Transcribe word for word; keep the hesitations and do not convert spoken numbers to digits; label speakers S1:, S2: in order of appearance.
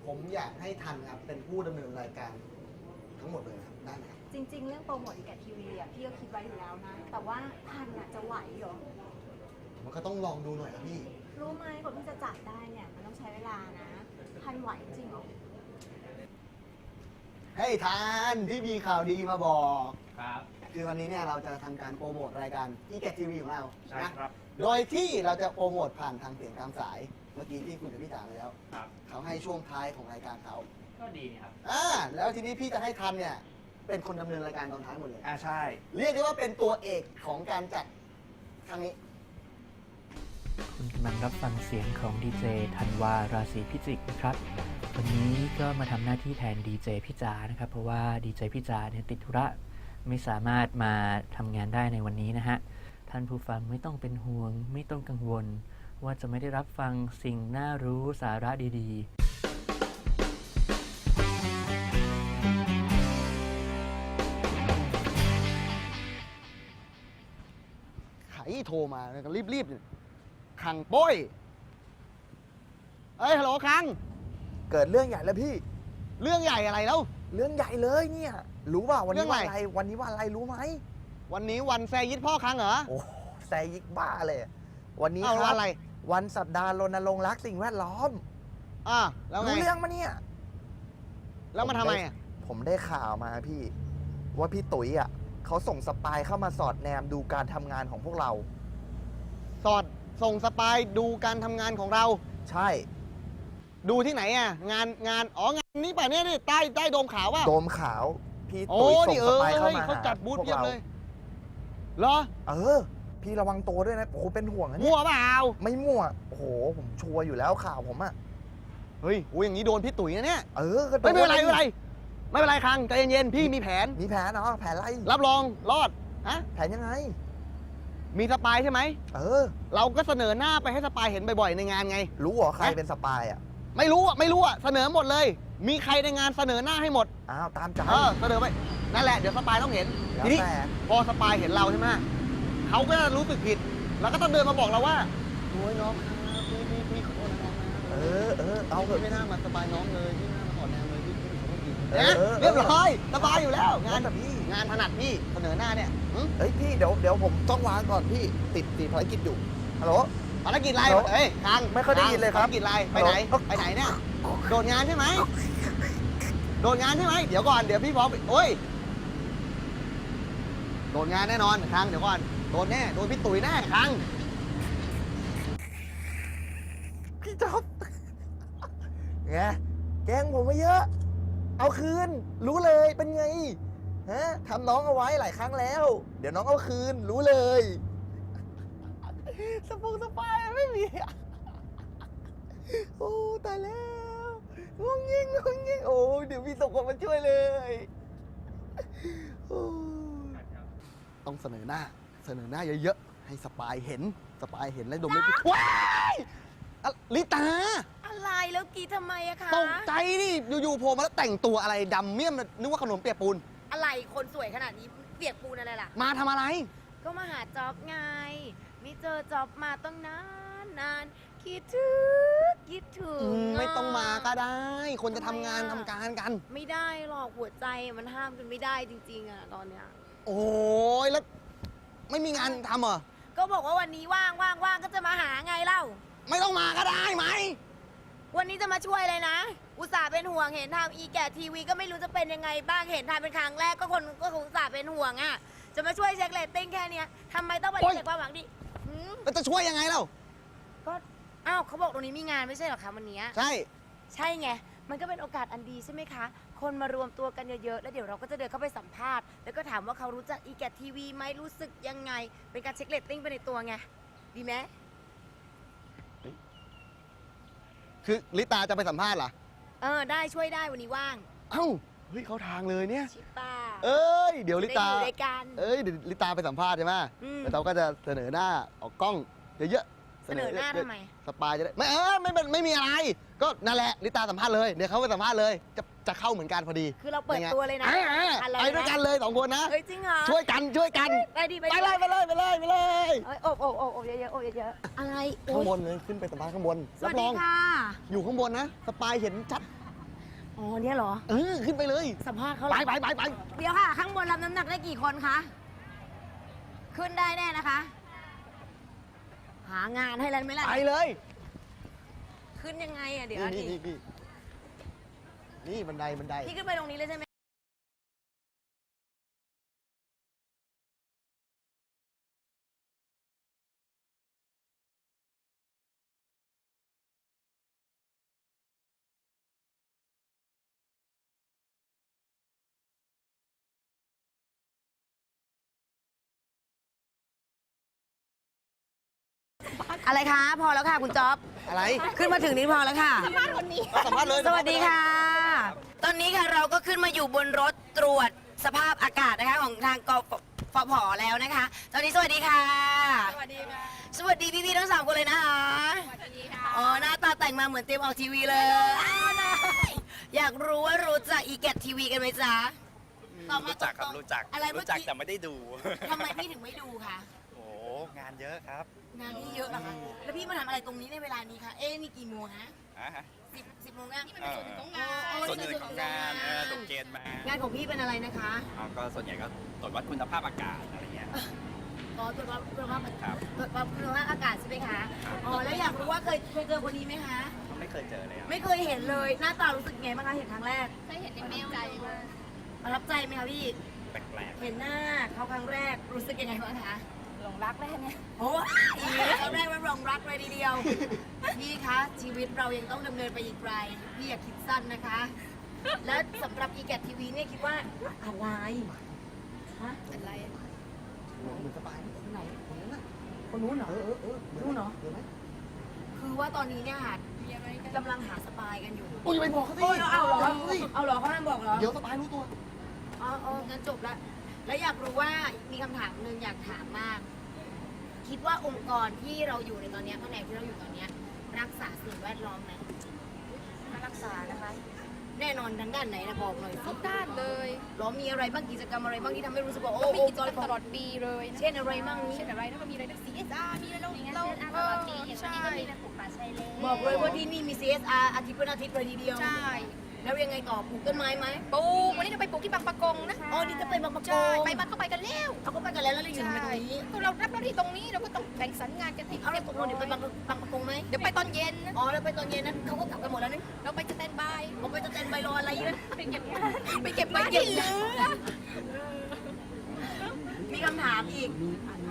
S1: ผมอยากให้ทันครับเป็นผู้ดำเนินรายการทั้งหมดเลยครับได้ไหมครับ
S2: จริง ๆ เรื่องโปรโมทอีแกะทีวีอ่ะพี่ก็คิดไว้อยู่แล้วนะ แต่ว่าทันอ่ะจะไหวเหรอ
S1: มันก็ต้องลองดูหน่อยครับพี่
S2: รู้ไหมคนที่จะจัดได้เนี่ยมันต้องใช้เวลานะ ทันไหวจริงเหรอ
S1: เฮ้ยทานที่มีข่าวดีมาบอก
S3: ครับ
S1: คือวันนี้เนี่ยเราจะทำการโปรโมทรายการอีแกทีวีของเรา
S3: ใช่
S1: นะครับ โดยที่เราจะโปรโมทผ่านทางเสียงตามสาย เมื่อกี้ที่คุยกับพี่จ๋าไปแล้ว
S3: ครับ
S1: เขาให้ช่วงท้ายของรายการเขา
S3: ก็ดีนี่ครับ
S1: อ่าแล้วทีนี้พี่จะให้ทันเนี่ยเป็นคนดำเนินรายการตอนท้ายหมดเลย
S3: อ่าใช่
S1: เรียกได้ว่าเป็นตัวเอกของการจัดครั้งนี้
S4: คุณกำลังรับฟังเสียงของดีเจธันวาราศีพิจิกนะครับ วันนี้ก็มาทำหน้าที่แทนดีเจพี่จานะครับ เพราะว่าดีเจพี่จาเนี่ยติดธุระไม่สามารถมาทำงานได้ในวันนี้นะฮะ ท่านผู้ฟังไม่ต้องเป็นห่วง ไม่ต้องกังวล ว่าจะไม่ได้รับฟังสิ่งน่ารู้สาระดีๆ
S1: ไขโทรมาก็รีบๆเลยคังโป้ยเอ้ยฮัลโหลคัง
S5: เกิดเรื่องใหญ่แล้วพี่
S1: เรื่องใหญ่อะไรแล้ว
S5: เรื่องใหญ่เลยเนี่ย รู้ป่าวัน
S1: เรื่
S5: นี้
S1: อง
S5: วัน
S1: อะไร
S5: อะไร วันนี้วันอะไรรู้ไหม
S1: วันนี้วันแซยิดพ่อคังเหรอ
S5: โอ้แซยิกบ้าเลย วันนี้
S1: เอา
S5: ค
S1: ว่า
S5: รับ
S1: อะไร
S5: วันสัปดาห์รณรงค์รักสิ่งแวดล้อม
S1: อ่าแล้วไง
S5: รู้เรื่องมาเนี่ย
S1: แล้วมาทำไมอ่ะ
S5: ผมได้ข่าวมาพี่ ว่าพี่ตุ๋ยอ่ะเขาส่งสปายเข้ามาสอดแนมดูการทำงานของพวกเรา
S1: สอดส่งสปายดูการทำงานของเรา
S5: ใช่
S1: ดูที่ไหนอ่ะ งานงานอ๋องานนี้ป่ะเนี่ยนี่ใต้ใต้โดมขาวป่ะ
S5: โดมขาว พี่
S1: โอ้
S5: ตุ๋ยส่
S1: นี่
S5: ง
S1: เออ
S5: สปายเข้า
S1: เฮ้ย
S5: มา
S1: เขา
S5: หา
S1: จัดบูธ
S5: พวก
S1: เพียบ
S5: เรา
S1: เลยเหรอ
S5: เออ พี่ระวังตัวด้วยนะโอ้โหเป็นห่วงนะเนี่
S1: มั่
S5: ยว
S1: เปล่า
S5: ไม่มั่ว โอ้โห ผมชัวร์อยู่แล้วข่าวผมอ่ะ
S1: เฮ้ยโอ้ยอย่างนี้โดนพี่ตุ๋ยนะเนี่ย
S5: เออก็โด
S1: ไม่เป็นไรไม่เป็นไรไม่เป็นไรคังใจเย็นๆพี่มีแผน
S5: มีแผนเนาะแผนอะไร
S1: รับรองรอดฮะ
S5: แผนยังไง
S1: มีสปายใช่ไหม
S5: เออ
S1: เราก็เสนอหน้าไปให้สปายเห็นบ่อยๆในงานไง
S5: รู้เหรอใคร
S1: ฮะ
S5: เป็นสปายอ่ะ
S1: ไม่รู้อ่ะไม่รู้อ่ะเสนอหมดเลย มีใครในงานเสนอหน้าให้หมด
S5: อ้าว ตามใจ
S1: เออเสนอไปนั่นแหละเดี๋ยวสปายต้องเห็น
S5: แล้ว
S1: ทีนี้
S5: แต่
S1: พอสปายเห็นเราใช่ไหมเขาก็จะรู้สึกผิด แล้วก็ต้องเดินมาบอกเราว่าโอ้ยน้องครับพี่พี่พี่ขอโทษนะครับ
S5: เออเออเอาเถ
S1: พี่
S5: อะ
S1: ไม่น่ามาสปายน้องเลยพี่น่ามาขอแนวเลยพี่พี่ขอโทษจริง
S5: เออ
S1: นะ
S5: เออ
S1: เรียบร้อยสบายอยู่แล้ว งาง
S5: าน นแบบพี่
S1: งานถนัดพี่เสนอหน้าเนี่ยหึ
S5: เอ้ยพี่เดี๋ยวเดี๋ยวผมต้องวางก่อนพี่ ติดติดภารกิจอยู่ ฮัลโหล
S1: ภารกิจอะไร
S5: ฮัลโหล
S1: เอ้ยคัง
S5: ไม่ค่อยได้ยินเลยครับ
S1: ภารกิจอะไรไปไหน
S5: ฮัลโหล
S1: ไปไหนเนี่ยโดดงานใช่ไหมโดดงานใช่ไหมเดี๋ยวก่อนเดี๋ยวพี่บอกโอ้ยโดดงานแน่นอนคังเดี๋ยวก่อนโดนแน่โดนพี่ตุ๋ยแน่คัง
S5: พี่จ๊อบไงแกล้งผมมาเยอะ เอาคืน รู้เลยเป็นไง ฮะทำน้องเอาไว้หลายครั้งแล้ว เดี๋ยวน้องเอาคืน รู้เลย สปูสปายไม่มี โอ้ตายแล้วงงยิงงงยิงโอ้เดี๋ยวมีส่งคนมาช่วยเลยโอ้
S1: ต้องเสนอหน้า เสนอหน้าเยอะๆให้สปายเห็นสปายเห็นแล้วดมไม่ผิดว้ายอะลิตา
S2: อะไรแล้วกรีดทำไมอะคะ
S1: ตกใจดิอยู่ๆโผล่มาแล้วแต่งตัวอะไรดำเมี่ยมนึกว่าขนมเปียกปูน
S2: อะไรคนสวยขนาดนี้เปียกปูนอะไรล่ะ
S1: มาทำอะไร
S2: ก็มาหาจ็อบไงไม่เจอจ็อบมาต้องนานนานคิดถึงคิดถึง
S1: อืมไม่ต้องมาก็
S2: อะ
S1: ได้ คนจะทำ
S2: ทำไม
S1: งาน
S2: อะ
S1: ทำการกัน
S2: ไม่ได้หรอกหัวใจมันห้ามกันไม่ได้จริงๆอะตอนเนี้ย
S1: โอ้ยแล้ว ไม่มีงานทำเหรอ
S2: ก็บอกว่าวันนี้ว่างว่างว่างก็จะมาหาไงเล่า
S1: ไม่ต้องมาก็ได้ไหม
S2: วันนี้จะมาช่วยเลยนะ อุตส่าห์เป็นห่วงเห็นทำอีแกะทีวีก็ไม่รู้จะเป็นยังไงบ้างเห็นทำเป็นครั้งแรกก็คนก็คงอุตส่าห์เป็นห่วงอ่ะจะมาช่วยเช็คเรตติ้งแค่เนี้ยทำไมต้องปฏิเสธความหวังดิหืม
S1: แล้วจะช่วยยังไงเล่า
S2: ก็อ้าวเขาบอกตรงนี้มีงานไม่ใช่เหรอคะวันเนี้ย
S1: ใช่
S2: ใช่ไงมันก็เป็นโอกาสอันดีใช่ไหมคะ คนมารวมตัวกันเยอะๆแล้วเดี๋ยวเราก็จะเดินเข้าไปสัมภาษณ์แล้วก็ถามว่าเขารู้จักอีแกะทีวีไหมรู้สึกยังไง เป็นการเช็คเรตติ้งไปในตัวไงดีไหม
S1: คือลิตาจะไปสัมภาษณ์เหรอ
S2: เออได้ช่วยได้วันนี้ว่าง
S1: เอ้า เฮ้ยเขาทางเลยเนี่ย
S2: ชิป้า
S1: เอ้ย เดี๋ยวลิตา
S2: ได้อยู่ด้วยกัน
S1: เอ้ย เดี๋ยวลิตาไปสัมภาษณ์ใช่ไหม
S2: อืม
S1: แล้วเราก็จะเสนอหน้าออกกล้องเยอะๆ
S2: เสนอหน้าทำไม
S1: สปายจะได้ไม่เออไม่ไม่ไม่มีอะไร ก็นั่นแหละลิตาสัมภาษณ์เลย เดี๋ยวเขาไปสัมภาษณ์เลย จะจะเข้าเหมือนกันพอดี
S2: คือเราเปิดตัวเลยนะ
S1: อ่าอ่า
S2: ทัน
S1: ไปด้วยกันเลยสองคนนะ
S2: เฮ้ยจริงเหรอ
S1: ช่วยกันช่วยกัน
S2: ไปดิไป
S1: ไป
S2: ดิ
S1: เลยไปเลยไปเลยไปเลย
S2: เอ้ยโอบโอบโอบโอบเยอะๆโอบเยอะๆอะไรโอ๊
S1: ข้าง
S2: ย
S1: บนเลยขึ้นไปสัมภาษณ์ข้างบน
S2: ส
S1: รั
S2: วัส
S1: บร
S2: ดี
S1: อง
S2: ค่ะ
S1: อยู่ข้างบนนะ สปายเห็นชัด
S2: อ๋อเนี่ยเหรอ
S1: เออ ขึ้นไปเลย
S2: สัมภาษณ์เขาเห
S1: ไป
S2: รอ
S1: ไปไปไป
S2: เดี๋ยวค่ะ ข้างบนรับน้ำหนักได้กี่คนคะ ขึ้นได้แน่นะคะ หางานให้แล้วไหมล่ะ
S1: ไปเลย
S2: ขึ้นยังไงอ่ะเดี๋ยว
S1: นี่
S2: ดิ
S1: นี่นี่นี่บันไดบันได
S2: พี่ขึ้นไปตรงนี้เลยใช่ไหมอะไรคะ พอแล้วค่ะคุณจ๊อบ
S1: อะไร
S2: ขึ้นมาถึงนี้พอแล้วค่ะ
S1: ก็สัมภาษณ์เลย
S2: สวัสดีค่ะ ตอนนี้ค่ะเราก็ขึ้นมาอยู่บนรถตรวจสภาพอากาศนะคะของทางกฟผแล้วนะคะ ตอนนี้สวัสดีค่ะ สวัสดีค่ะ สวัสดีพี่ๆทั้งสามคนเลยนะคะ สวัสดีค่ะ อ๋อหน้าตาแต่งมาเหมือนเตรียมออกทีวีเลยอยากรู้ว่ารู้จักอีแกตทีวีกันไหมจ๊ะตอบมา
S3: รู้จักครับ
S2: ตงๆ
S3: รู้จัก
S2: อะไรเมื่
S3: รู้
S2: อ
S3: จัก
S2: กี้
S3: แต่ไม่ได้ดู
S2: ทำไมพี่ถึงไม่ดูคะ
S3: โอ้โหงานเยอะครับ
S2: งานที่เยอะเหรอคะแล้วพี่มาทำอะไรตรงนี้ในเวลานี้คะเอ๊ะนี่กี่โมงฮะ
S3: อ่ะฮะ
S2: สิบสิบโมงยัง
S3: เออ ส่วนหนึ่งของงานเออตกเกณฑ์มาง
S2: านของพี่เป็นอะไรนะคะ
S3: เอาก็ส่วนใหญ่ก็ตรวจวัดคุณภาพอากาศอะไรเงี้ย
S2: อ๋อตรวจวัดคุณภาพอากาศ
S3: ครับ
S2: ตรวจวัดคุณภาพอากาศใช่ไหมคะ อ๋อ แล้วอยากรู้ว่าเคยเคยเจอคนนี้ไหมคะ
S3: ไม่เคยเจอเลยอะ
S2: ไม่เคยเห็นเลย หน้าตารู้สึกไงบ้างคะ เห็นครั้งแรก
S6: เคยเห็นในเมลใจมาก
S2: ประทับใจไหมคะพี่
S3: แปลก
S2: เห็นหน้าเขาครั้งแรกรู้สึกยังไงบ้างคะ
S6: หลงรักได้เนี่ย
S2: โอ้ยครั้งแรกมันรองรักเลยทีเดียว พี่คะ ชีวิตเรายังต้องดำเนินไปอีกไกล พี่อย่าคิดสั้นนะคะ แล้วสำหรับอีแกทีวีเนี่ยคิดว่าอะไร ฮะ
S6: อะไร
S1: เหมือนสบาย
S2: ไหน คนนู้นเหรอ
S1: เออเออเออ
S2: รู้เนอะ
S1: เดี๋ยวไหม
S2: คือว่าตอนนี้เนี่ยค่ะ
S6: มีอะไรกัน
S2: กำลังหาสปายกันอยู่
S1: โอ้ยอย่าไปบอกเขาสิ
S2: โอ้ยเอาเหรอ
S1: ฮ้ย
S2: เอาเหรอเขาห้ามบอกเหรอ
S1: เดี๋ยวสบายรู้ตัว
S2: อ๋ออ๋องั้นจบละ แล้วอยากรู้ว่ามีคำถามหนึ่งอยากถามมาก คิดว่าองค์กรที่เราอยู่ในตอนเนี้ยแผนกที่เราอยู่ตอนเนี้ยรักษาสิ่งแวดล้อมไหม
S6: มารักษานะคะ
S2: แน่นอนทางด้านไหนนะบอกหน่อย
S6: ทุกด้านเลย
S2: หรอมีอะไรบ้างกิจกรรมอะไรบ้างที่ทำให้รู้สึกว่าโอ้
S6: ก็มี
S2: อง
S6: กิ
S2: ค์
S6: จ
S2: ก
S6: กร
S2: ร
S6: รมตลอดปีเลยนะ
S2: เช่นอะไรบ้างนี้
S6: เช่นอะไรแล้วก็มีอะไรนะ ซี เอส อาร์ มีอะไรเราเรา
S2: เออ
S6: ใช่
S2: บอกเลยว่าที่นี่มี ซี เอส อาร์ อาทิตย์เป็นอาทิตย์เลยทีเดียว
S6: ใช่
S2: แล้วยังไงต่อปลูกต้นไม้ไหม
S6: ปลูกวันนี้จะไปปลูกที่บางปะกงนะ
S2: อ๋อ นี่จะไปบางประก
S6: ใช่
S2: ง
S6: ไปมาก็ไปกันแล้ว
S2: เขาก็ไปกันแล้วแล้วเราอยู่ทำไมตรงนี้
S6: ก็เรารับหน้าที่ตรงนี้เราก็ต้องแบ่งสรรงานกันให้
S2: เอา
S6: เรี
S2: เรา
S6: ยบ
S2: ตกล
S6: ร้
S2: ง
S6: อย
S2: เดี๋ยวไปบางบางประกงไหม
S6: เดี๋ยวไปตอนเย็นนะ
S2: อ๋อ แล้วไปตอนเย็นนั้นเขาก็กลับกันหมดแล้วนี่
S6: เราไปสแตนบาย
S2: ผมไปจะเต้นใบรออะไรเยอะ
S6: ไปเก็บงานไปเก็บไม้ที่เหลือ
S2: มีคำถามอีก
S1: มีอัน